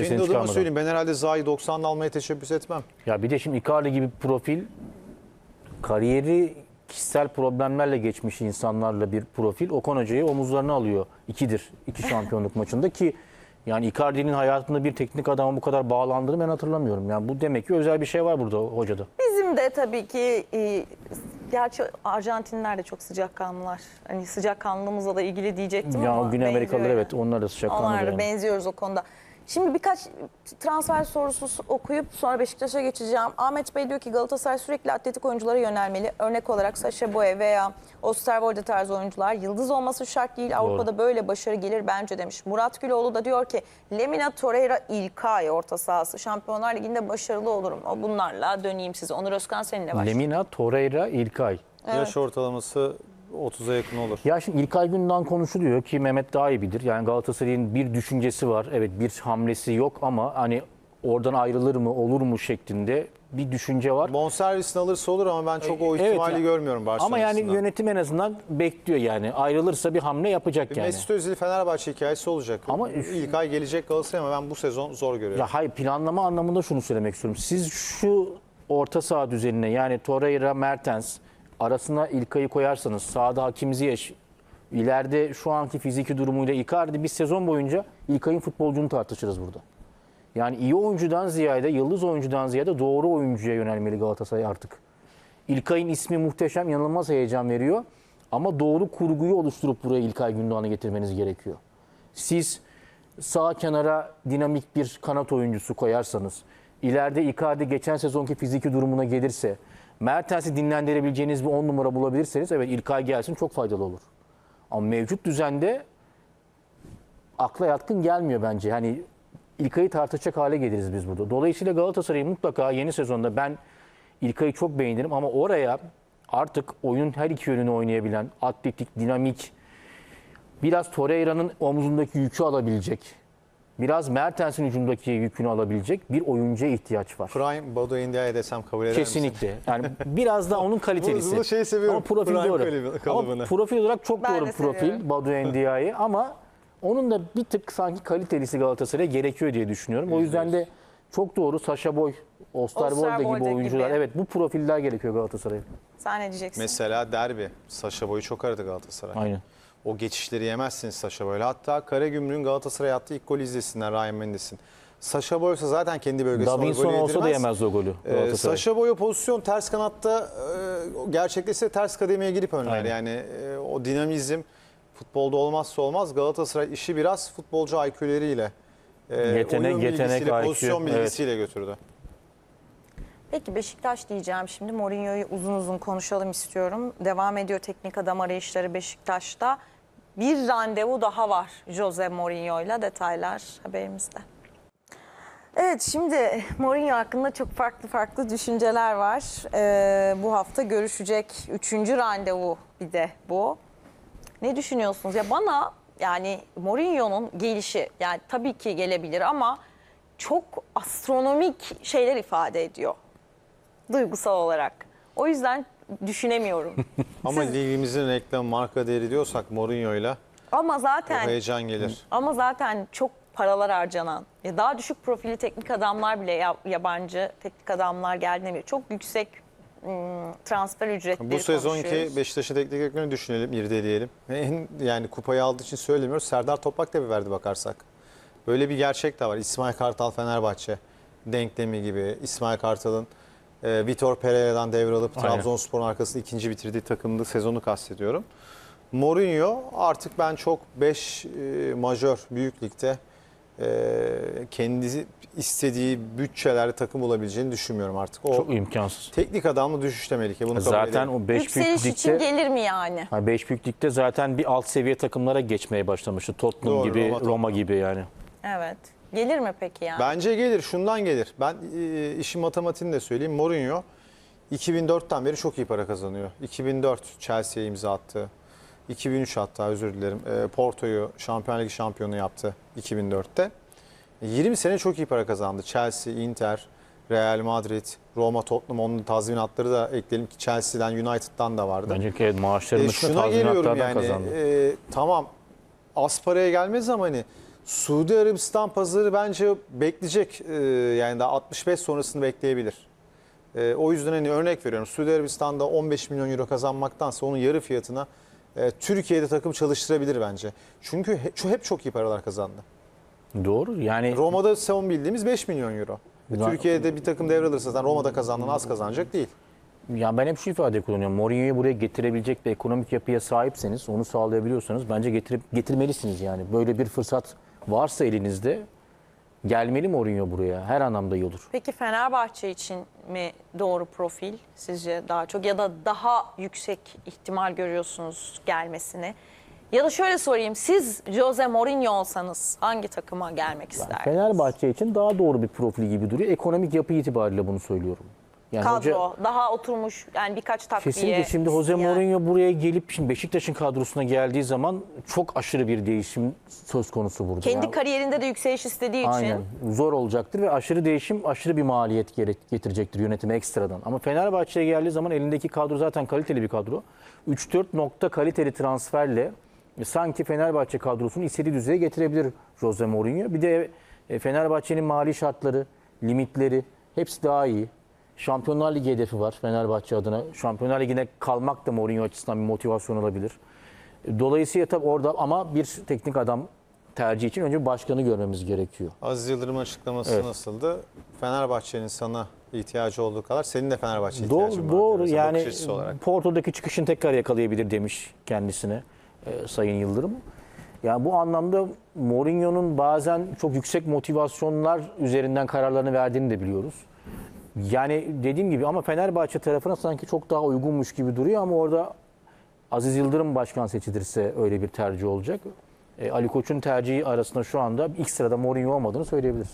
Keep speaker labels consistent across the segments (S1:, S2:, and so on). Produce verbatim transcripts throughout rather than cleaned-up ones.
S1: kendi adıma
S2: çıkarmadan.
S1: söyleyeyim. Ben herhalde Zaha'yı doksanla almaya teşebbüs etmem.
S2: Ya bir de şimdi Icardi gibi bir profil, kariyeri kişisel problemlerle geçmiş insanlarla bir profil. Okan Hoca'yı omuzlarına alıyor. İkidir. iki şampiyonluk maçında ki yani Icardi'nin hayatında bir teknik adama bu kadar bağlandığını ben hatırlamıyorum. Yani bu demek ki özel bir şey var burada hocada.
S3: Bizim de tabii ki e, gerçi Arjantinliler de çok sıcakkanlılar. Hani sıcakkanlılığımızla da ilgili diyecektim
S2: Ya
S3: ama
S2: Güney Amerikalılar
S3: benziyor
S2: evet
S3: yani.
S2: onlar da sıcakkanlı.
S3: Onlar da
S2: yani.
S3: benziyoruz o konuda. Şimdi birkaç transfer sorusu okuyup sonra Beşiktaş'a geçeceğim. Ahmet Bey diyor ki Galatasaray sürekli atletik oyunculara yönelmeli. Örnek olarak Sacha Boey veya Osterwolde tarzı oyuncular. Yıldız olması şart değil. Avrupa'da böyle başarı gelir bence demiş. Murat Güloğlu da diyor ki Lemina, Torreira, İlkay orta sahası. Şampiyonlar Ligi'nde başarılı olurum. O bunlarla döneyim size. Onur Özkan seninle başlayalım.
S2: Lemina, Torreira, İlkay.
S3: Evet.
S1: Yaş ortalaması otuza yakın olur.
S2: Ya şimdi İlkay Gündoğan konuşuluyor ki Mehmet daha iyi bilir. Yani Galatasaray'ın bir düşüncesi var. Evet bir hamlesi yok ama hani oradan ayrılır mı olur mu şeklinde bir düşünce var.
S1: Bonservisini alırsa olur ama ben çok o
S2: Evet
S1: ihtimali
S2: ya.
S1: görmüyorum Barcelona
S2: Ama yani
S1: açısından.
S2: yönetim en azından bekliyor yani. Ayrılırsa bir hamle yapacak yani.
S1: Mesut Özil Fenerbahçe hikayesi olacak.
S2: Ama
S1: Ama ilk ay gelecek Galatasaray ama ben bu sezon zor görüyorum.
S2: Ya hayır planlama anlamında şunu söylemek istiyorum. Siz şu orta saha düzenine yani Torreira, Mertens arasına İlkay'ı koyarsanız sağda Hakim Ziyech, ileride şu anki fiziki durumuyla Icardi bir sezon boyunca İlkay'ın futbolcunu tartışırız burada. Yani iyi oyuncudan ziyade, yıldız oyuncudan ziyade doğru oyuncuya yönelmeli Galatasaray artık. İlkay'ın ismi muhteşem, yanılmaz heyecan veriyor. Ama doğru kurguyu oluşturup buraya İlkay Gündoğan'ı getirmeniz gerekiyor. Siz sağ kenara dinamik bir kanat oyuncusu koyarsanız, ileride Icardi geçen sezonki fiziki durumuna gelirse, Mertens'i dinlendirebileceğiniz bir on numara bulabilirseniz evet İlkay gelsin çok faydalı olur. Ama mevcut düzende akla yatkın gelmiyor bence. Hani İlkay'ı tartışacak hale geliriz biz burada. Dolayısıyla Galatasaray'ın mutlaka yeni sezonda ben İlkay'ı çok beğenirim ama oraya artık oyun her iki yönünü oynayabilen, atletik, dinamik, biraz Torreira'nın omzundaki yükü alabilecek, biraz Mertens'in hücumdaki yükünü alabilecek bir oyuncuya ihtiyaç var.
S1: Prime Badu Endia'ya desem kabul eder misin?
S2: Kesinlikle. Yani biraz da onun kalitelisi.
S1: Bu şeyi seviyorum.
S2: Ama profil
S1: Prime
S2: doğru.
S1: kalıbı-
S2: Ama
S1: kalıbını.
S2: profil olarak çok
S3: Ben
S2: doğru
S3: de
S2: bir profil
S3: seviyorum.
S2: Badu Endia'yı ama onun da bir tık sanki kalitelisi Galatasaray'a gerekiyor diye düşünüyorum. O yüzden de çok doğru Sacha Boey, Osterwolde gibi
S3: Osterwolde
S2: oyuncular.
S3: gibi.
S2: Evet bu profiller gerekiyor Galatasaray'a.
S3: Sen ne diyeceksin?
S1: Mesela derbi. Sacha Boey'u çok aradı Galatasaray.
S2: Aynen.
S1: O geçişleri yemezsiniz Sacha Boey'le. Hatta Karagümrük'ün Galatasaray'a attığı ilk golü izlesinler Ryan Mendes'in. Sacha Boey ise zaten kendi bölgesinde o
S2: Davinson
S1: golü
S2: olsa da
S1: yedirmez.
S2: yemez o golü
S1: Ee,
S2: Galatasaray.
S1: Sacha Boey o pozisyon ters kanatta e, gerçekleşse ters kademeye girip önler.
S2: Aynen.
S1: Yani e, o dinamizm futbolda olmazsa olmaz. Galatasaray işi biraz futbolcu I Q'leriyle, e,
S2: Yetenek,
S1: oyun
S2: yetenek,
S1: bilgisiyle,
S2: I Q,
S1: pozisyon
S2: evet.
S1: bilgisiyle götürdü.
S3: Peki Beşiktaş diyeceğim şimdi. Mourinho'yu uzun uzun konuşalım istiyorum. Devam ediyor teknik adam arayışları Beşiktaş'ta. Bir randevu daha var Jose Mourinho'yla. Detaylar haberimizde. Evet şimdi Mourinho hakkında çok farklı farklı düşünceler var. Ee, bu hafta görüşecek üçüncü randevu bir de bu. Ne düşünüyorsunuz? Ya bana yani Mourinho'nun gelişi yani tabii ki gelebilir ama çok astronomik şeyler ifade ediyor duygusal olarak. O yüzden düşünemiyorum.
S1: Ama ligimizin reklam marka değeri diyorsak Mourinho'yla
S3: Ama
S1: o
S3: zaten
S1: heyecan gelir.
S3: ama zaten çok paralar harcanan, ya daha düşük profili teknik adamlar bile ya- yabancı teknik adamlar geldiğinde çok yüksek ım, transfer ücretleri
S1: Bu sezonki
S3: konuşuyoruz.
S1: Beşiktaş'ın teknik direktörünü düşünelim, irdeleyelim. En, yani kupayı aldığı için söylemiyoruz. Serdar Toprak da bir verdi bakarsak. Böyle bir gerçek de var. İsmail Kartal Fenerbahçe denklemi gibi. İsmail Kartal'ın e, Vitor Pereira'dan devralıp
S2: Aynen.
S1: Trabzonspor'un arkasında ikinci bitirdiği takımda sezonu kastediyorum. Mourinho artık ben çok beş e, majör büyük ligde e, kendisi istediği bütçelerde takım olabileceğini düşünmüyorum artık. O
S2: Çok imkansız.
S1: teknik adamla düşüşte Melike. Bunu kabul
S2: Zaten
S1: edelim.
S2: o beş
S3: Yükseliş
S2: büyük
S3: için
S2: ligde
S3: gelir mi yani?
S2: ha, beş büyük ligde zaten bir alt seviye takımlara geçmeye başlamıştı. Tottenham
S1: Doğru,
S2: gibi,
S1: Roma,
S2: Roma,
S1: Tottenham.
S2: gibi yani.
S3: Evet. Gelir mi peki yani?
S1: Bence gelir. Şundan gelir. Ben e, işin matematiğini de söyleyeyim. Mourinho iki bin dörtten beri çok iyi para kazanıyor. iki bin dört Chelsea'ye imza attı. iki bin üç hatta özür dilerim. E, Porto'yu Şampiyonlar Ligi şampiyonu yaptı iki bin dörtte. yirmi sene çok iyi para kazandı. Chelsea, Inter, Real Madrid, Roma, Tottenham onun tazminatları da ekleyelim ki Chelsea'den, United'dan da vardı.
S2: Bence ki maaşların
S1: E,
S2: dışında
S1: şuna geliyorum
S2: tazminatlardan
S1: yani
S2: kazandı.
S1: e, tamam az paraya gelmez ama hani Suudi Arabistan pazarı bence bekleyecek. Ee, yani daha altmış beş sonrasını bekleyebilir. Ee, o yüzden hani örnek veriyorum. Suudi Arabistan'da on beş milyon euro kazanmaktansa onun yarı fiyatına e, Türkiye'de takım çalıştırabilir bence. Çünkü he, şu hep çok iyi paralar kazandı.
S2: Doğru. Yani
S1: Roma'da son bildiğimiz beş milyon euro. E,
S2: Ya-
S1: Türkiye'de bir takım devralırsa zaten Roma'da kazandığın az kazanacak değil.
S2: ya ben hep şu ifadeyi kullanıyorum. Mourinho'yu buraya getirebilecek bir ekonomik yapıya sahipseniz, onu sağlayabiliyorsanız bence getirip getirmelisiniz yani. Böyle bir fırsat varsa elinizde gelmeli Mourinho buraya. Her anlamda iyi olur.
S3: Peki Fenerbahçe için mi doğru profil sizce daha çok ya da daha yüksek ihtimal görüyorsunuz gelmesini? Ya da şöyle sorayım, siz Jose Mourinho olsanız hangi takıma gelmek isterdiniz?
S2: Fenerbahçe için daha doğru bir profil gibi duruyor. Ekonomik yapı itibariyle bunu söylüyorum. Yani
S3: Kadro,
S2: hoca-
S3: daha oturmuş yani birkaç takviye.
S2: Kesinlikle şimdi Jose
S3: isteyen.
S2: Mourinho buraya gelip şimdi Beşiktaş'ın kadrosuna geldiği zaman çok aşırı bir değişim söz konusu burada.
S3: Kendi
S2: Yani-
S3: kariyerinde de yükseliş istediği için.
S2: Aynen. Zor olacaktır ve aşırı değişim aşırı bir maliyet gerek- getirecektir yönetime ekstradan. Ama Fenerbahçe'ye geldiği zaman elindeki kadro zaten kaliteli bir kadro. üç dört nokta kaliteli transferle e, sanki Fenerbahçe kadrosunu istediği düzeye getirebilir Jose Mourinho. Bir de e, Fenerbahçe'nin mali şartları, limitleri hepsi daha iyi. Şampiyonlar Ligi hedefi var Fenerbahçe adına. Şampiyonlar Ligi'ne kalmak da Mourinho açısından bir motivasyon olabilir. Dolayısıyla tabii orada ama bir teknik adam tercih için önce bir başkanı görmemiz gerekiyor.
S1: Aziz Yıldırım'ın açıklaması
S2: Evet.
S1: nasıldı? Fenerbahçe'nin sana ihtiyacı olduğu kadar senin de Fenerbahçe ihtiyacın var.
S2: Doğru, doğru.
S1: diyoruz.
S2: Yani
S1: Bakış açısı olarak.
S2: Porto'daki çıkışını tekrar yakalayabilir demiş kendisine e, Sayın Yıldırım. Yani bu anlamda Mourinho'nun bazen çok yüksek motivasyonlar üzerinden kararlarını verdiğini de biliyoruz. Yani dediğim gibi ama Fenerbahçe tarafına sanki çok daha uygunmuş gibi duruyor ama orada Aziz Yıldırım başkan seçilirse öyle bir tercih olacak. E, Ali Koç'un tercihi arasında şu anda ilk sırada Mourinho olmadığını söyleyebiliriz.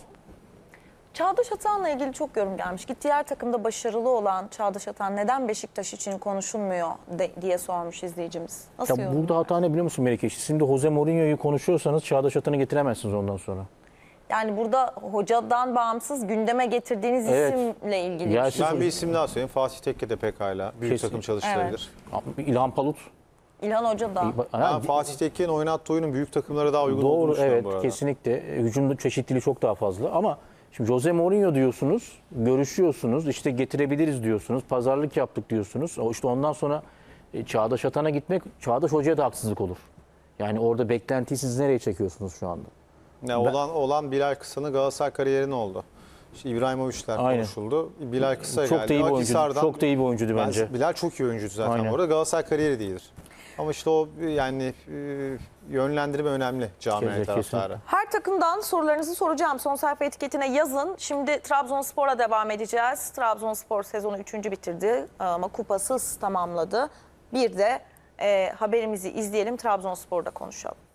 S3: Çağdaş Atan'la ilgili çok yorum gelmiş. Gittiği her takımda başarılı olan Çağdaş Atan neden Beşiktaş için konuşulmuyor de- diye sormuş izleyicimiz. Nasıl
S2: Ya
S3: yorum?
S2: burada hata ne biliyor musun Melike? Şimdi Jose Mourinho'yu konuşuyorsanız Çağdaş Atan'ı getiremezsiniz ondan sonra.
S3: Yani burada hocadan bağımsız gündeme getirdiğiniz
S2: Evet.
S3: isimle ilgili.
S2: Ya
S3: bir şey.
S2: siz-
S1: Ben bir isim daha söyleyeyim. Fatih Tekke de pekala büyük
S2: Kesin.
S1: takım çalıştırabilir.
S2: İlhan Palut.
S3: İlhan Hoca da.
S1: Ben
S2: Ha,
S1: Fatih Tekke'nin oynattığı oyunun büyük takımlara daha uygun olduğunu
S2: Doğru,
S1: düşünüyorum
S2: evet,
S1: bu arada.
S2: kesinlikle. E, Hücumda çeşitliliği çok daha fazla ama şimdi Jose Mourinho diyorsunuz, görüşüyorsunuz, işte getirebiliriz diyorsunuz, pazarlık yaptık diyorsunuz. O işte ondan sonra e, Çağdaş Atan'a gitmek, Çağdaş Hoca'ya da haksızlık olur. Yani orada beklentiyi siz nereye çekiyorsunuz şu anda?
S1: Ya olan olan Bilal Kısa'nın Galatasaray kariyerin oldu. İşte İbrahimovic'ler
S2: Aynen.
S1: konuşuldu. Bilal Kısa
S2: Çok
S1: geldi.
S2: da iyi bir oyuncuydu.
S1: Akhisar'dan-
S2: Çok da iyi bir oyuncuydu
S1: Ben-
S2: bence.
S1: Bilal çok iyi oyuncuydu zaten
S2: Aynen.
S1: bu arada. Galatasaray kariyeri değildir. Ama işte o yani e, yönlendirme önemli camianın
S2: Kesinlikle,
S1: taraftarı.
S3: Her takımdan sorularınızı soracağım. Son sayfa etiketine yazın. Şimdi Trabzonspor'a devam edeceğiz. Trabzonspor sezonu üçüncü bitirdi ama kupasız tamamladı. Bir de e, haberimizi izleyelim, Trabzonspor'da konuşalım.